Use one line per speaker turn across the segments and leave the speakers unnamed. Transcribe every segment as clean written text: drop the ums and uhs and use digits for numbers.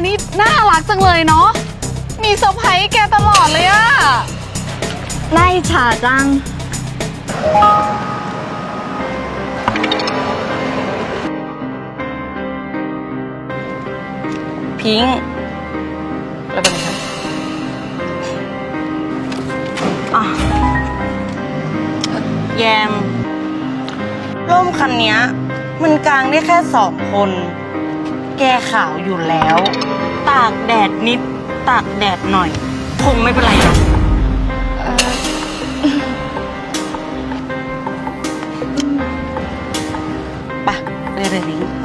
นี่น่ารักจังเลยเนาะมีเซอร์ไพรส์แกตลอดเลยอะ
น่าอิจฉาจัง
พิงค์แล้วเป็นไงแยมร่มคันนี้มันกางได้แค่2 คนแกขาวอยู่แล้ว ตากแดดนิดตากแดดหน่อยคงไม่เป็นไรหรอกไปเลยลิงไป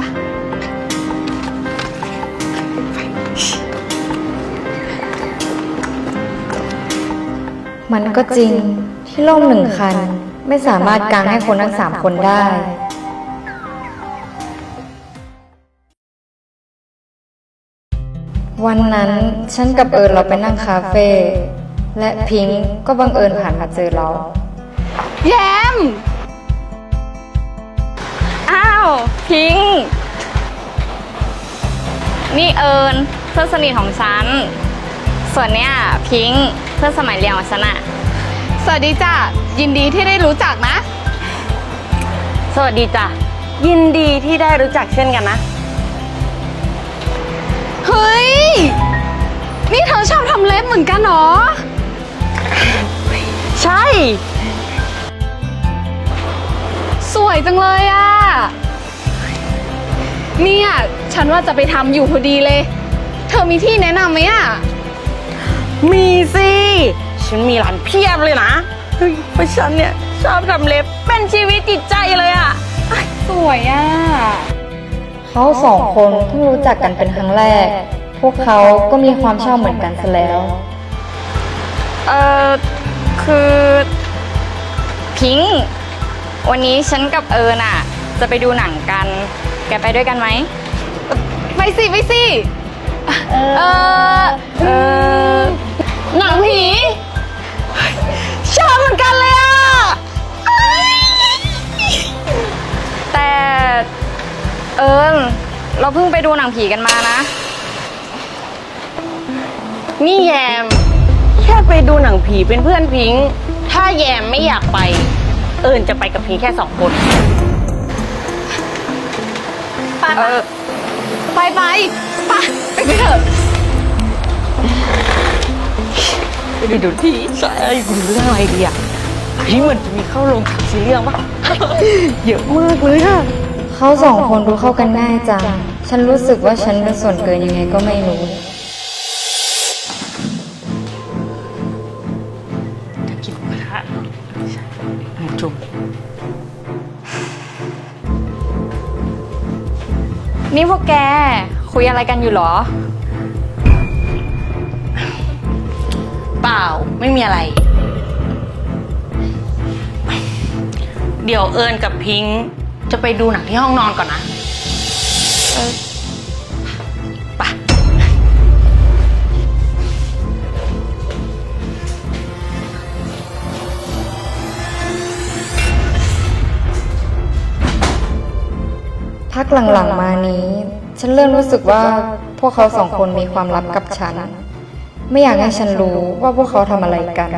มันก็จริงที่ร่ม1 คันไม่สามารถกางให้คนทั้ง3 คนได้วันนั้นฉันกับเราไปนั่งคาเฟ่และพิงค์ก็บังเอิญผ่านมาเจอเรา
แยม
อ้าวพิงค์นี่เพื่อนสนิทของฉันส่วนเนี้ยพิงค์เพื่อนสมัยเรียนของฉันอะ
สวัสดีจ้ะยินดีที่ได้รู้จักนะ
สวัสดีจ้ะยินดีที่ได้รู้จักเช่นกันนะ
เฮ้ยนี่เธอชอบทำเล็บเหมือนกันเหรอ
ใช่
สวยจังเลยอ่ะเนี่ยฉันว่าจะไปทำอยู่พอดีเลยเธอมีที่แนะนำไหมอ่ะ
มีสิฉันมีร้านเพียบเลยนะเพราะฉันเนี่ยชอบทำเล็บเป็นชีวิตจิตใจเลยอ่ะ
สวยอ่ะ
เขา2 คนเพิ่งรู้จักกันเป็นครั้งแรกพวกเขาก็มีความชอบเหมือนกันซะแล้ว
คือพิงค์วันนี้ฉันกับน่ะจะไปดูหนังกันแกไปด้วยกันไหม
ไปสิหนังผีชอบเหมือนกันเลยอ่ะ
แต่เราเพิ่งไปดูหนังผีกันมานะ
นี่แยมแค่ไปดูหนังผีเป็นเพื่อนพิงค์ถ้าแยมไม่อยากไปจะไปกับพิงค์แค่2 คน
ไปเถอะ
ไปดูที่ใช่ไปดูเรื่องอะไรดีอ่ะเหมือนจะมีเข้าโรงซีเรื่องปะเยอะมากเลยค่ะ
เขา2 คนดูเข้ากันง่ายจังฉันรู้สึกว่าฉันเป็นส่วนเกินยังไงก็ไม่รู้
กินหมูกระทะจุ่ม
นี่พวกแกคุยอะไรกันอยู่หรอ
เปล่าไม่มีอะไรเดี๋ยวกับพิงค์จะไปดูหนังที่ห้องนอนก่อนนะไป
พักหลังๆมานี้ฉันเริ่มรู้สึกว่าพวกเขา2 คนมีความลับกับฉันไม่อยากให้ฉันรู้ว่าพวกเขาทำอะไรกัน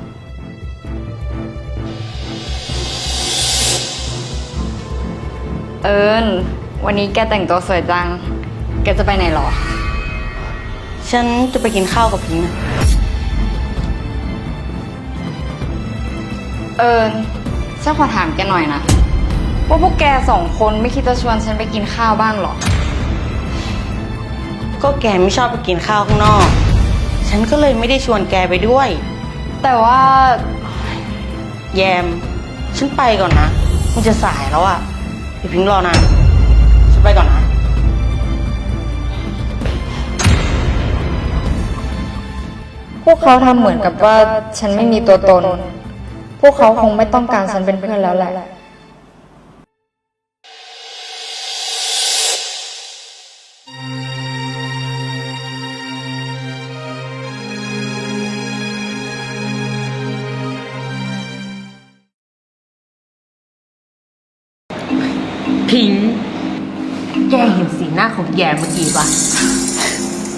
วันนี้แกแต่งตัวสวยจังแกจะไปไหนหรอ
ฉันจะไปกินข้าวกับพิงค์นะ
ฉันขอถามแกหน่อยนะว่าพวกแก2 คนไม่คิดจะชวนฉันไปกินข้าวบ้างหรอ
ก็แกไม่ชอบไปกินข้าวข้างนอกฉันก็เลยไม่ได้ชวนแกไปด้วย
แต่ว่า
แยมฉันไปก่อนนะมันจะสายแล้วอ่ะเดี๋ยวพิงค์รอนะฉันไปก่อนนะ
พวกเขาทำเหมือนกับว่าฉันไม่มีตัวตนพวกเขาคงไม่ต้องการฉันเป็นเพื่อนแล้วแหละ
พิงค์แกเห็นสีหน้าของแยมเมื่อกี้ปะ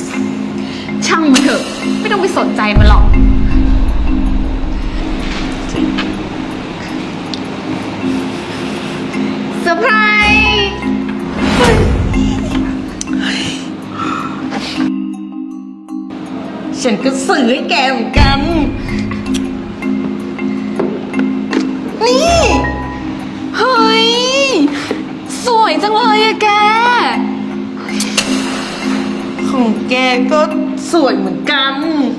ช่างมันเถอะ ไม่ต้องไปสนใจมันหรอก เซอร์ไพรส์
ฉันก็ซื้อให้แกเหมือนกัน นี่
เฮ้ย สวยจังเลยอะแก
ของแกก็สวยเหมือนกัน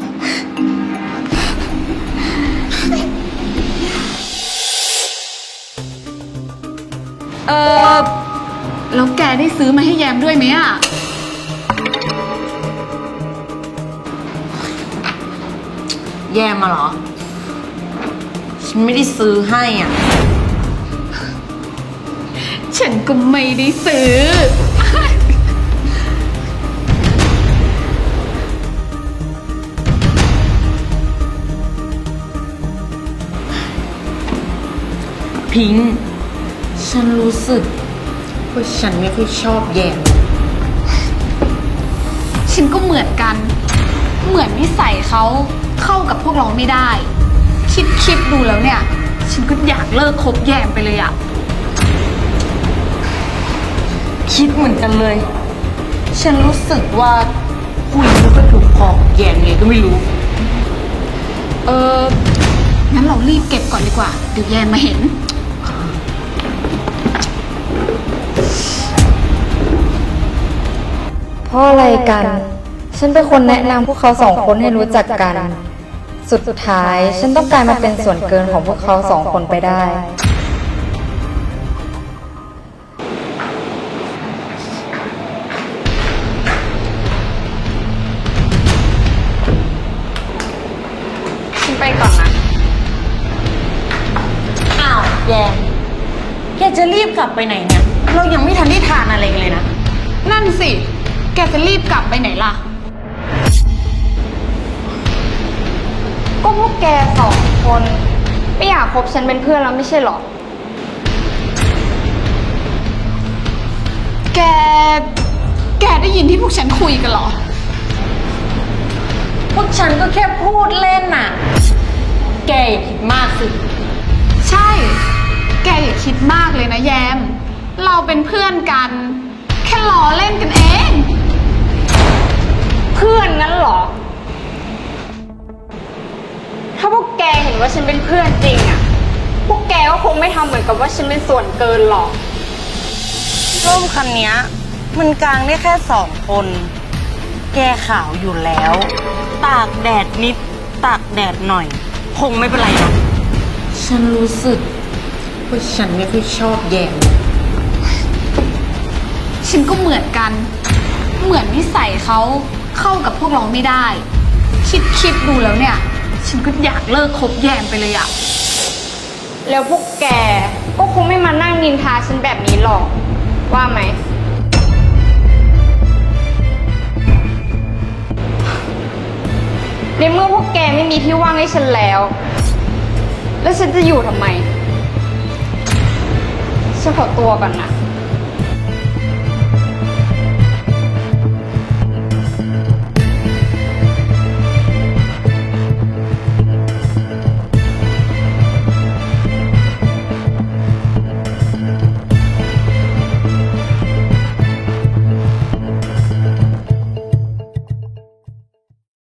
แล้วแกได้ซื้อมาให้แยมด้วยไหมอะ
แย่มาเหรอ ฉันไม่ได้ซื้อให้อ่ะ
ฉันก็ไม่ได้ซื้อ
พิงค์ฉันรู้สึกว่าฉันไม่ค่อยชอบแยม
ฉันก็เหมือนกัน เหมือนนิสัยเขาเข้ากับพวกเราไม่ได้ คิดดูแล้วเนี่ย ฉันก็อยากเลิกคบแยมไปเลยอะ
คิดเหมือนกันเลย ฉันรู้สึกว่าคุยไม่ค่อยถูกคอกับแยมไงก็ไม่รู้
งั้นเรารีบเก็บก่อนดีกว่า เดี๋ยวแยมมาเห็น
เพราะอะไรกัน ฉันเป็นคนแนะนำพวกเขาสองคนให้รู้จักกัน สุดท้ายฉันต้องกลายมาเป็นส่วนเกินของพวกเขาสองคนไปได้
ฉันไปก่อนนะ
อ้าวแยม แกจะรีบกลับไปไหนเนี่ย เรายังไม่ทันได้ทานอะไรกันเลยนะ
นั่นสิ แกจะรีบกลับไปไหนล่ะ
ก็พวกแกสองคนไม่อยากคบฉันเป็นเพื่อนแล้วไม่ใช่หรอ
แกได้ยินที่พวกฉันคุยกันเหรอ
พวกฉันก็แค่พูดเล่นน่ะ แกอย่าคิดมากสิ
ใช่ แกอย่าคิดมากเลยนะแยม เราเป็นเพื่อนกัน แค่ล้อเล่นกันเอง
เพื่อนงั้นเหรอ ถ้าพวกแกเห็นว่าฉันเป็นเพื่อนจริงอะพวกแกก็คงไม่ทำเหมือนกับว่าฉันเป็นส่วนเกินหรอก
ร่มคันเนี้ยมันกางได้แค่2 คน แกขาวอยู่แล้ว ตากแดดนิด ตากแดดหน่อย คงไม่เป็นไรหรอกฉันรู้สึกว่าฉันไม่ค่อยชอบแยม
ฉันก็เหมือนกัน เหมือนนิสัยเขาเข้ากับพวกเราไม่ได้ คิดดูแล้วเนี่ย ฉันก็อยากเลิกคบแยมไปเลยอะ
แล้วพวกแกก็คงไม่มานั่งนินทาฉันแบบนี้หรอก ว่าไหม ในเมื่อพวกแกไม่มีที่ว่างให้ฉันแล้ว แล้วฉันจะอยู่ทำไม ฉันขอตัวก่อนนะ